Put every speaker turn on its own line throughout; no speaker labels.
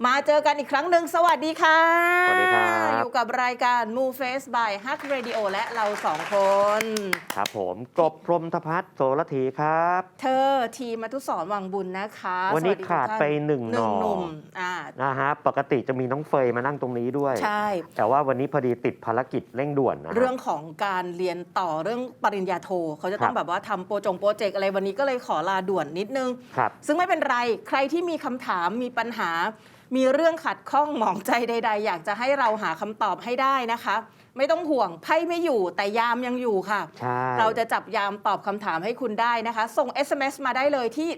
มาเจอกันอีกครั้งหนึ่งสวัสดีค่ะ
สวัสดีครับ
อยู่กับรายการ Move Face by Hug Radio และเราสองคน
ครับผมกบพรหมธพัฒน์โสระธีครับ
เธอทีมทุสรวังบุญนะคะ
วันนี้
สสดี
ขาด
ทุกท่
ไปหนึ่งหน่อ
หนุ่ม
นะฮะปกติจะมีน้องเฟยมานั่งตรงนี้ด้วย
ใช่
แต่ว่าวันนี้พอดีติดภารกิจเร่งด่วนนะฮะ
เรื่องของการเรียนต่อเรื่องปริญญาโทเขาจะต้อง
ครับ
แบบว่าทำโปรเจกต์อะไรวันนี้ก็เลยขอลาด่วนนิดนึง
ครับ
ซึ่งไม่เป็นไรใครที่มีคำถามมีปัญหา มีเรื่องขัดข้องหมองใจใด ๆ อยากจะให้เราหาคำตอบให้ได้นะคะ ไม่ต้องห่วงไพ่ไม่อยู่แต่ยามยังอยู่ค่ะ
ใช่
เราจะจับยามตอบคำถามให้คุณได้นะคะ ส่ง SMS มาได้เลยที่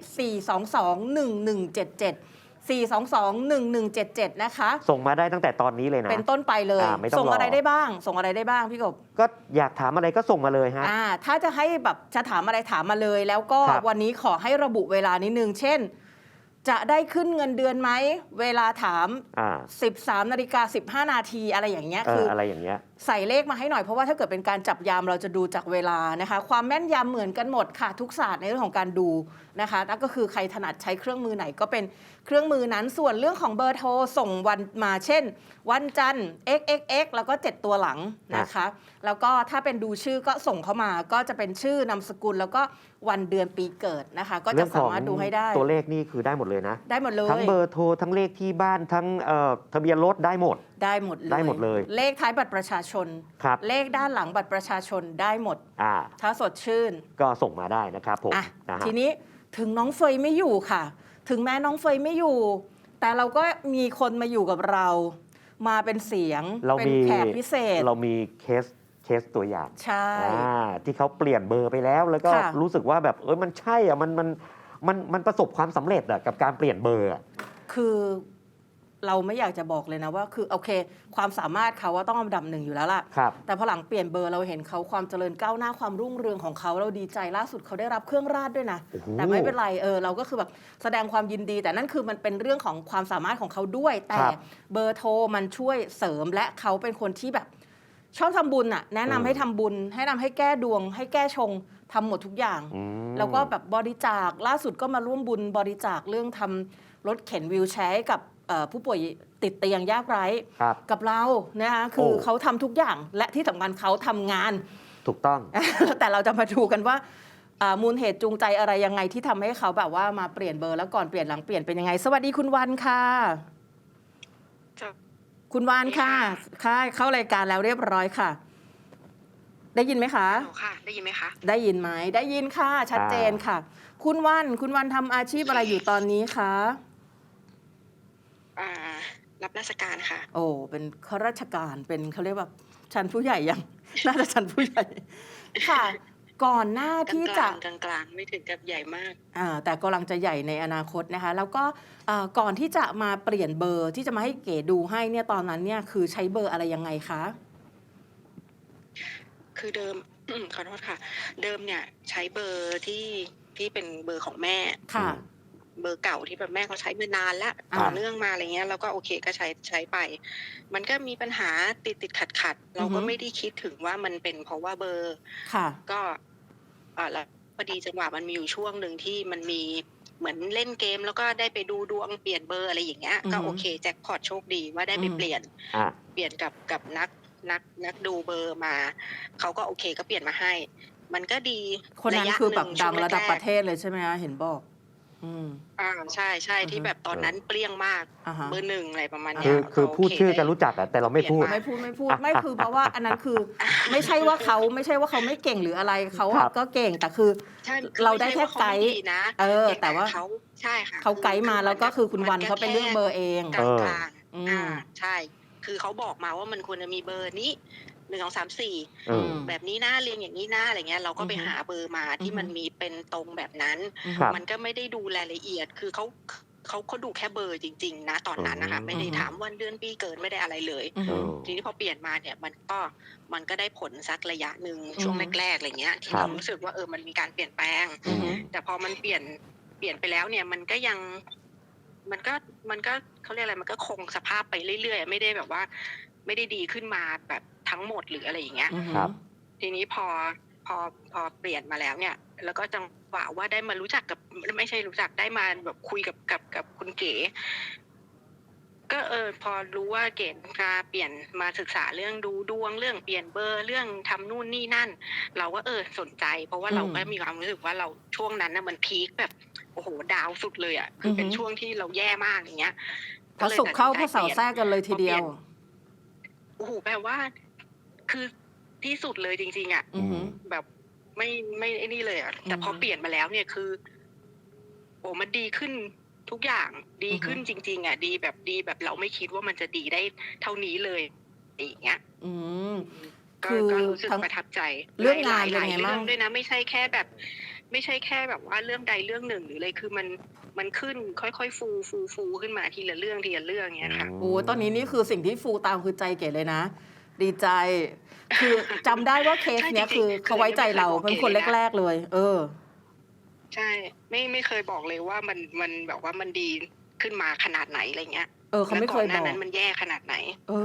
422-1177 นะคะ
ส่งมาได้ตั้งแต่ตอนนี้เลยนะ
เป็นต้นไปเลย
ไม่ต้อง
ส่งอะไร
รอ
ได้บ้าง ส่งอะไรได้บ้างพี่กบ
ก็อยากถามอะไรก็ส่งมาเลยฮะ
ถ้าจะให้แบบจะถามอะไรถามมาเลย แล้วก็
ครับ
วันนี้ขอให้ระบุเวลานิดนึง เช่น จะได้ขึ้นเงินเดือนไหม เวลาถาม 13:15 นาทีอะไรอย่างเงี้ยคือ
อะไรอย่างเงี้ย
ใส่เลขมาให้หน่อยเพราะว่าถ้าเกิดเป็นการจับยามเราจะดูจากเวลานะคะ ความแม่นยำเหมือนกันหมดค่ะ ทุกศาสตร์ในเรื่องของการดูนะคะนั่นก็คือใครถนัดใช้เครื่องมือไหนก็เป็นเครื่องมือนั้นส่วนเรื่องของเบอร์โทรส่งวันมาเช่น วันจันทร์ xxx แล้วก็ 7 ตัวหลังนะคะ แล้วก็ถ้าเป็นดูชื่อก็ส่งเข้ามาก็จะเป็นชื่อนามสกุลแล้วก็วันเดือนปีเกิดนะคะ ก็จะสามารถดูให้ได้
ตัวเลขนี่คือได้หมดเลยนะ
ได้หมดเลย
ทั้งเบอร์โทรทั้งเลขที่บ้านทั้งทะเบียนรถได้หมด
ได้หมดเลย
ได้หมดเลย
เลขท้ายบัตรประชาชน
ครับ
เลขด้านหลังบัตรประชาชนได้หมด ถ้าสดชื่น
ก็ส่งมาได้นะครับผมนะฮะ
ทีนี้ถึงน้องเฟยไม่อยู่ค่ะ ถึงแม้น้องเฟยไม่อยู่ แต่เราก็มีคนมาอยู่กับเรา มาเป็นเสียง เป็นแขกพิเศษ
เรามีเคสตัวอย่าง
ใช่
ที่เขาเปลี่ยนเบอร์ไปแล้ว แล้วก็
ค่ะ
รู้สึกว่าแบบมันใช่อ่ะมันประสบความสำเร็จอ่ะกับการเปลี่ยนเบอร์อะ
คือเราไม่อยากจะบอกเลยนะว่าคือโอเค ความสามารถเขาว่าต้องอันดับหนึ่งอยู่แล้วล่ะ
ครับ
แต่พอหลังเปลี่ยนเบอร์เราเห็นเขาความเจริญก้าวหน้าความรุ่งเรืองของเขาเราดีใจล่าสุดเขาได้รับเครื่องราชด้วยนะ
โอ้โห
แต่ไม่เป็นไรเราก็คือแบบแสดงความยินดี แต่นั่นคือมันเป็นเรื่องของความสามารถของเขาด้วย แต่
ครับ
เบอร์โทรมันช่วยเสริมและเขาเป็นคนที่แบบชอบทำบุญแนะนำให้ทำบุญ ให้นำให้แก้ดวง ให้แก้ชงทำหมดทุกอย่าง แล้วก็แบบบริจาคล่าสุดก็มาร่วมบุญบริจาคเรื่องทำรถเข็นวีลแชร์ให้กับผู้ป่วยติดเตียงยากไร้
ครับ
กับเรานะคะคือ
โอ้
เขาทำทุกอย่างและที่สำคัญเขาทำงาน
ถูกต้อง
แต่เราจะมาดูกันว่ามูลเหตุจูงใจอะไรยังไงที่ทำให้เขาแบบว่ามาเปลี่ยนเบอร์แล้วก่อนเปลี่ยนหลังเปลี่ยนเป็นยังไง สวัสดีคุณวันค่ะ คุณวันค่ะค่ะเข้ารายการแล้วเรียบร้อยค่ะ ได้ยินไหมคะ
ค่ะ ได้ยินไหมคะ
ได้ยินไหมได้ยินค่ะ ชัดเจนค่ะ คุณวันทำอาชีพอะไรอยู่ตอนนี้คะ
รับราชการค่ะ
โอ้เป็นข้าราชการเป็นเขาเรียกว่าชั้นผู้ใหญ่ยัง น่าจะชั้นผู้ใหญ่ ค่ะ ก่อนหน้าก
ลาง
ที่
ก
จะ
ลางกลางกลางไม่ถึงกับใหญ่มาก
แต่กำลังจะใหญ่ในอนาคตนะคะ แล้วก็ก่อนที่จะมาเปลี่ยนเบอร์ที่จะมาให้เก๋ดูให้เนี่ยตอนนั้นเนี่ยคือใช้เบอร์อะไรยังไงคะ
คือเดิม ขอโทษค่ะ เดิมเนี่ยใช้เบอร์ที่เป็นเบอร์ของแม่
ค่ะ
เบอร์เก่าที่แบบแม่เขาใช้มานานแล้ว
อ่า
ต่อเนื่องมาอะไรเงี้ยแล้วก็โอเคก็ใช้ไป มันก็มีปัญหาติดขัดเราก็ไม่ได้คิดถึงว่ามันเป็นเพราะว่าเบอร์
ค่ะ
ก็แล้วพอดีจังหวะมันมีอยู่ช่วงหนึ่งที่มันมีเหมือนเล่นเกม แล้วก็ได้ไปดูดวงเปลี่ยนเบอร์อะไรอย่างเงี้ย ก็โอเคแจ็คพอตโชคดีว่าได้ไปเปลี่ยน เปลี่ยนกับนักดูเบอร์มาเขาก็โอเคก็เปลี่ยนมาให้ มันก็ดี
คนนั้น
ระยะ
คือแบบ
หนึ่
ดังระดับ
ช่ว
ประเทศเลยใช่ไหมคะเห็นบอก
ใช่ที่แบบตอนนั้นเปรี้ยงมาก
อ่าฮะ
เบอร์หนึ่งอะไรประมาณ
คื
เนี้
อย คือพูดชื่อกัน
โ
รู้จักอะแต่เราไม่พูด
ไม่พูดไม่คือเพราะว่าอันนั้นคือไม่ใช่ว่าเขาไม่เก่งหรืออะไรเขา
ครับ
ก็เก่งแต่คือ
ใช่
เราได้แค่ไกด์
ม่ใช่ว่าเขาม่ดีนะ
แต่ว่า
เขาใช่ค่ะ
เขาไกด์มาแล้วก็คือคุณวันเขาไปเลือกเบอร์เอง
กลางกลาง
อืม
ใช่ คือเขาบอกมาว่ามันควรจะมีเบอร์นี้1 2 3 4 แบบนี้นะเรียงอย่างนี้นะอะไรเงี้ยเราก็ไปหาเบอร์มาที่มันมีเป็นตรงแบบนั้น
ครับ
มันก็ไม่ได้ดูรายละเอียด คือเขาดูแค่เบอร์จริง ๆ นะตอนนั้นนะคะ ไม่ได้ถามวันเดือนปีเกิดไม่ได้อะไรเลย ทีนี้พอเปลี่ยนมาเนี่ยมันก็ได้ผลสักระยะหนึ่งช่วงแรกๆอะไรเงี้ยที่เรารู้สึกว่ามันมีการเปลี่ยนแปลง แต่พอมันเปลี่ยนไปแล้วเนี่ยมันก็ยังมันก็เขาเรียกอะไรมันก็คงสภาพไปเรื่อยๆไม่ได้แบบว่า ไม่ได้ดีขึ้นมาแบบทั้งหมดหรืออะไรอย่างเงี้ย
ครับ
ทีนี้พอเปลี่ยนมาแล้วเนี่ย แล้วก็จังหวะว่าได้มารู้จักกับไม่ใช่รู้จักได้มาแบบคุยกับคุณเก๋ก็พอรู้ว่าเกดมาเปลี่ยนมาศึกษาเรื่องดูดวงเรื่องเปลี่ยนเบอร์เรื่องทำนู่นนี่นั่น เราก็สนใจ เพราะว่าเราก็มีความรู้สึกว่าเราช่วงนั้นนะมันพีคแบบโอ้โหดาวสุดเลยอ่ะคือเป็นช่วงที่เราแย่มากอย่างเงี้ย
พระศุกร์เข้าพระเสาร์แทรกกันเลยทีเดียว
โอ้โหแปลว่าคือที่สุดเลยจริงๆอ่ะแบบไม่ไอ้นี่เลยอ่ะแต่พอเปลี่ยนมาแล้วเนี่ยคือโอ้มันดีขึ้นทุกอย่างดีขึ้นจริงๆอ่ะดีแบบเราไม่คิดว่ามันจะดีได้เท่านี้เลยอย่างเงี้ยก็รู้สึกประทับใจ
เรื่องงานเป็นไงบ้าง
เรื่องด้วยนะไม่ใช่แค่แบบว่าเรื่องใดเรื่องหนึ่งหรืออะไรคือมันขึ้นค่อยๆฟูขึ้นมาทีละเรื่องเงี้ยค่ะ
โอ้ตอนนี้นี่คือสิ่งที่ฟูตามคือใจเก๋เลยนะดีใจคือจำได้ว่าเคสเนี้ยคือเขาไว้ใจเราเป็นคนแรกๆเลย
ใช่ไม่เคยบอกเลยว่ามันแบบว่ามันดีขึ้นมาขนาดไหนอะไรเงี้ย
เขาไม่เคยบอก
นั้นมันแย่ขนาดไหน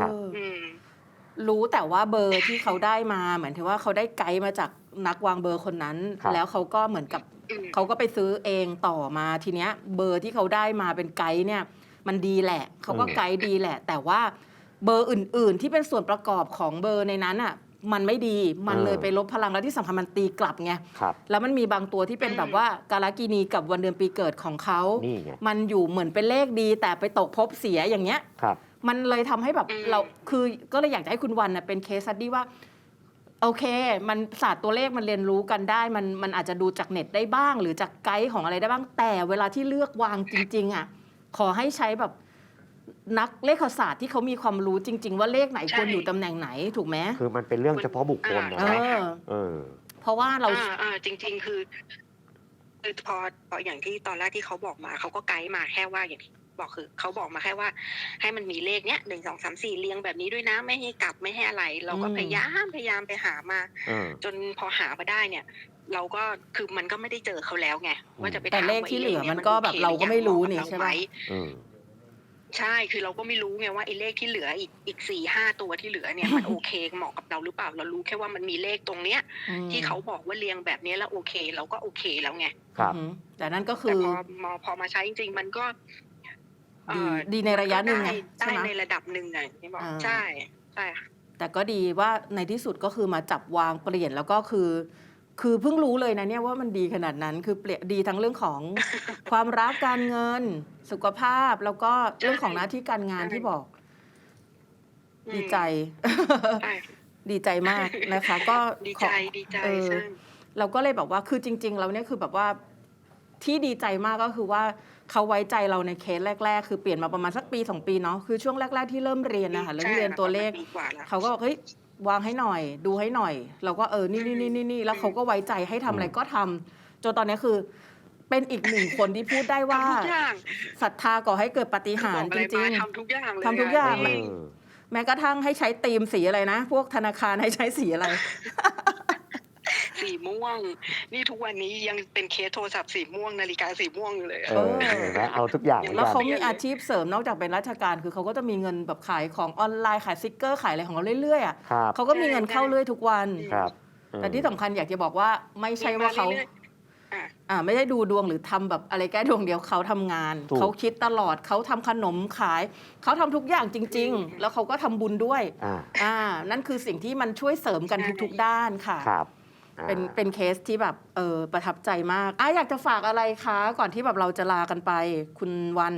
รู้แต่ว่าเบอร์ที่เขาได้มาเหมือนที่ว่าเขาได้ไกด์มาจากนักวางเบอร์คนนั้นแล้วเขาก็เหมือนกับเขาก็ไปซื้อเองต่อมาทีเนี้ยเบอร์ที่เขาได้มาเป็นไกด์เนี่ยมันดีแหละเขาก็ไกด์ดีแหละแต่ว่าเบอร์อื่นๆที่เป็นส่วนประกอบของเบอร์ในนั้นอ่ะมันไม่ดีมันเลยไปลบพลังแล้วที่สำคัญมันตีกลับไงแล้วมันมีบางตัวที่เป็นแบบว่ากาลกินีกับวันเดือนปีเกิดของเขามันอยู่เหมือนเป็นเลขดีแต่ไปตกภพเสียอย่างเงี้ยมันเลยทำให้แบบเราคือก็เลยอยากจะให้คุณวันน่ะเป็นเคสสตั๊ดดี้ว่าโอเคมันศาสตร์ตัวเลขมันเรียนรู้กันได้มันอาจจะดูจากเน็ตได้บ้างหรือจากไกด์ของอะไรได้บ้างแต่เวลาที่เลือกวางจริงๆอ่ะขอให้ใช้แบบนักเลขศาสตร์ที่เขามีความรู้จริงๆว่าเลขไหนควรอยู่ตำแหน่งไหนถูกไหม
คือมันเป็นเรื่องเฉพาะบุคคลนะ
เพราะว่าเรา
จริงๆคือพออย่างที่ตอนแรกที่เขาบอกมาเขาก็ไกด์มาแค่ว่าอย่างที่บอกคือเขาบอกมาแค่ว่าให้มันมีเลขเนี้ย1 2 3 4เรียงแบบนี้ด้วยนะไม่ให้กลับไม่ให้อะไรเราก็พยายามไปหามาจนพอหามาได้เนี่ยเราก็คือมันก็ไม่ได้เจอเขาแล้วไงว่าจะไป
แต่เลขที่เหลือมันก็แบบเราก็ไม่รู้นี่ใช่ไหม
ใช่คือเราก็ไม่รู้ไงว่าไอ้เลขที่เหลืออีก 4-5 ตัวที่เหลือเนี่ยมันโอเคเหมาะกับเราหรือเปล่าเรารู้แค่ว่ามันมีเลขตรงเนี้ยที่เขาบอกว่าเรียงแบบนี้แล้วโอเคเราก็โอเคแล้วไง
ครับ
แต่นั่นก็คือ
พอมาใช้จริงๆมันก็
ดีในระยะหนึ่งไง
ใช่ในระดับหนึ่งไงที่บอกใช่ค่ะ
แต่ก็ดีว่าในที่สุดก็คือมาจับวางเปลี่ยนแล้วก็คือเพิ่งรู้เลยนะเนี่ยว่ามันดีขนาดนั้นคือเปลี่ยนดีทั้งเรื่องของ ความรักการเงินสุขภาพแล้วก็เรื่องของหน้าที่การงานที่บอกดีใจดีใจมากนะคะก็
ดีใจ
เราก็เลยแบบว่าคือจริงๆเราเนี่ยคือแบบว่าที่ดีใจมากก็คือว่าเขาไว้ใจเราในเคสแรกๆคือเปลี่ยนมาประมาณสักปี2 ปีเนาะคือช่วงแรกๆที่เริ่มเรียนนะคะเริ่มเรียนตัวเลขเขาก็บอกเฮ้ยวางให้หน่อยดูให้หน่อยเราก็นี่แล้วเขาก็ไว้ใจให้ทำอะไรก็ทำจนตอนนี้คือเป็นอีกหนึ่งคนที่พูดได้ว่าศรัทธาก่อให้เกิดปาฏิหาริย์จริง
ๆทำทุกอย่างเลย
ทำทุกอย่างแม้กระทั่งให้ใช้ธีมสีอะไรนะพวกธนาคารให้ใช้สีอะไร
สีม่วงนี่ทุกวันนี้ยังเป็นเคสโทรศัพท์สีม่วงนาฬิกาสีม่วงอยู่เลย
เอาทุกอย่าง
แล้วเขามีอาชีพเสริมนอกจากเป็นราชการคือเขาก็จะมีเงินแบบขายของออนไลน์ขายสติ๊กเกอร์ขายอะไรของเขาเรื่อยๆอ่ะเขาก็มีเงินเข้าเรื่อยทุกวันแต่ที่สำคัญอยากจะบอกว่าไม่ใช่ว่าเขาไม่ได้ดูดวงหรือทำแบบอะไรแก้ดวงเดียวเขาทำงานเขาคิดตลอดเขาทำขนมขายเขาทำทุกอย่างจริงๆแล้วเขาก็ทำบุญด้วยนั่นคือสิ่งที่มันช่วยเสริมกันทุกๆด้านค่ะเป็นเคสที่แบบประทับใจมากอยากจะฝากอะไรคะก่อนที่แบบเราจะลากันไปคุณวัน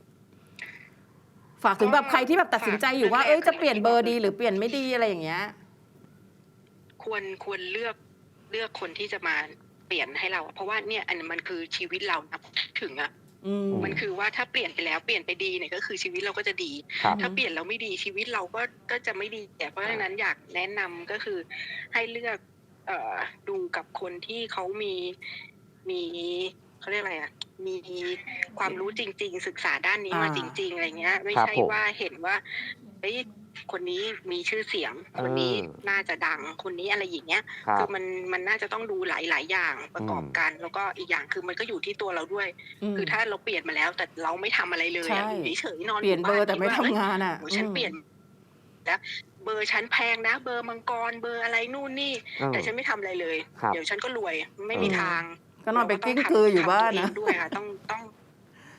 ฝากถึงแบบใครที่แบบตัดสินใจอยู่ว่าจะเปลี่ยนเบอร์ดีหรือเปลี่ยนไม่ดีอะไรอย่างเงี้ย
ควรเลือกคนที่จะมาเปลี่ยนให้เราเพราะว่าเนี่ยอันมันคือชีวิตเรานะถึงมันคือว่าถ้าเปลี่ยนไปแล้วเปลี่ยนไปดีเนี่ยก็คือชีวิตเราก็จะดีถ้าเปลี่ยนแล้วไม่ดีชีวิตเราก็จะไม่ดีเพราะฉะนั้นอยากแนะนำก็คือให้เลือกดูกับคนที่เขามีเขาเรียกอะไรมีความรู้จริงๆศึกษาด้านนี้มาจริงๆอะไรเงี้ยไม่ใช่ว่าเห็นว่าคนนี้มีชื่อเสียงคนนี้น่าจะดังคนนี้อะไรอย่างเงี้ยคือมันน่าจะต้องดูหลายๆอย่างประกอบกันแล้วก็อีกอย่างคือมันก็อยู่ที่ตัวเราด้วยคือถ้าเราเปลี่ยนมาแล้วแต่เราไม่ทำอะไรเลยอยู่เฉยๆนอน
เปลี่ยนเบอร์แต่ไม่ทำงาน
ฉันเปลี่ยนแล้วเบอร์ฉันแพงนะเบอร์มังกรเบอร์อะไรนู่นนี่แต่ฉันไม่ทำอะไรเลยเดี๋ยวฉันก็รวยไม่มีทาง
ก็นอนไปกิ้งกืออยู่บ้านนะ
ด้วยค่ะต้อง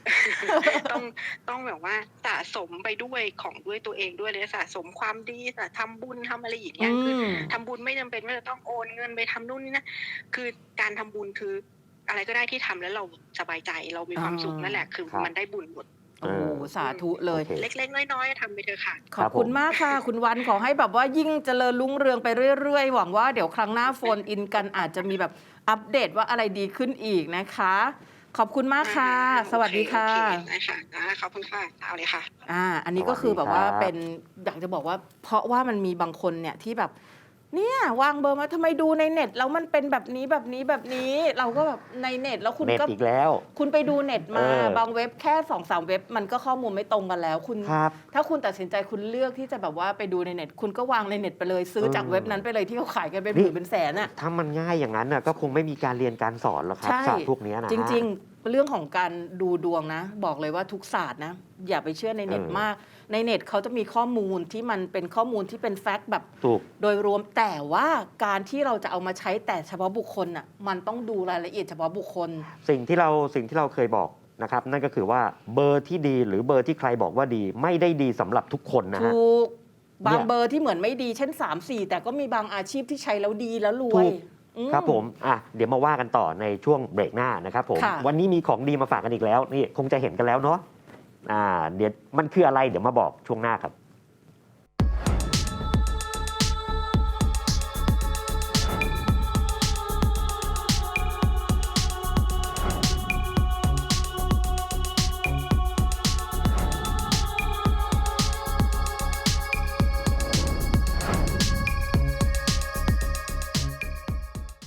ต้องต้องแบบว่าสะสมไปด้วยของด้วยตัวเองด้วยเลยสะสมความดีทำบุญทำอะไรอย่างเงี้ยคือทำบุญไม่จำเป็นว่าจะต้องโอนเงินไปทำนู่นนี่นะคือการทำบุญคืออะไรก็ได้ที่ทำแล้วเราสบายใจเรามีความสุขนั่นแหละคือมันได้บุญหมด
โอ้โหสาธุเลย
โอเค
เล็กๆน้อยๆทำไปเถอะค่ะ
ขอบคุณมากค่ะ คุณวันขอให้แบบว่ายิ่งเจริญรุ่งเรืองไปเรื่อยๆ หวังว่าเดี๋ยวครั้งหน้าโฟนอินกันอาจจะมีแบบอัปเดตว่าอะไรดีขึ้นอีกนะคะ ขอบคุณมากค่ะ สวัสดีค่ะ
โอเคได้ค่ะขอบคุณค่ะเอาเลยค่ะ
อันนี้ก็คือแบบว่า
สวัสดีครับ
เป็นอยากจะบอกว่า เพราะว่ามันมีบางคนเนี่ยที่แบบเนี่ยวางเบอร์มาทำไมดูในเน็ตแล้วมันเป็นแบบนี้แบบนี้แบบนี้ เราก็แบบในเน็ตแล้วคุณ
เน็ต
ก็
อีกแล้ว
คุณไปดูเน็ตมา
เออ
บางเว็บแค่ 2-3 เว็บมันก็ข้อมูลไม่ตรงกันแล้วคุณ
ครับ
ถ้าคุณตัดสินใจคุณเลือกที่จะแบบว่าไปดูในเน็ต คุณก็วางในเน็ตไปเลยซื้อจากเว็บนั้นไปเลยที่เขาขายกันเป็นหมื่นเป็นแสนอ่ะ
ถ้ามันง่ายอย่างนั้นน่ะก็คงไม่มีการเรียนการสอนหรอกครับ
ใช่
ศาสตร์พวกเนี้ยนะ
จริงๆ เรื่องของการดูดวงนะ บอกเลยว่าทุกศาสตร์นะ อย่าไปเชื่อในเน็ตมาก ในเน็ตเขาจะมีข้อมูลที่มันเป็นข้อมูลที่เป็นแฟกต์แบบ
ถูก
โดยรวมแต่ว่าการที่เราจะเอามาใช้แต่เฉพาะบุคคลน่ะมันต้องดูรายละเอียดเฉพาะบุคคล
สิ่งที่เราเคยบอกนะครับนั่นก็คือว่าเบอร์ที่ดีหรือเบอร์ที่ใครบอกว่าดีไม่ได้ดีสำหรับทุกคนนะฮะ
ถูก บาง
เนี่ย
เบอร์ที่เหมือนไม่ดีเช่น 3-4 แต่ก็มีบางอาชีพที่ใช้แล้วดีแล้วรว
ถู
ย
ก
อื
ครับผมเดี๋ยวมาว่ากันต่อในช่วงเบรกหน้านะครับผม
ค่ะ
วันนี้มีของดีมาฝากกันอีกแล้วนี่คงจะเห็นกันแล้วเนาะเดี๋ยวมันคืออะไรเดี๋ยวมาบอกช่วงหน้าครับ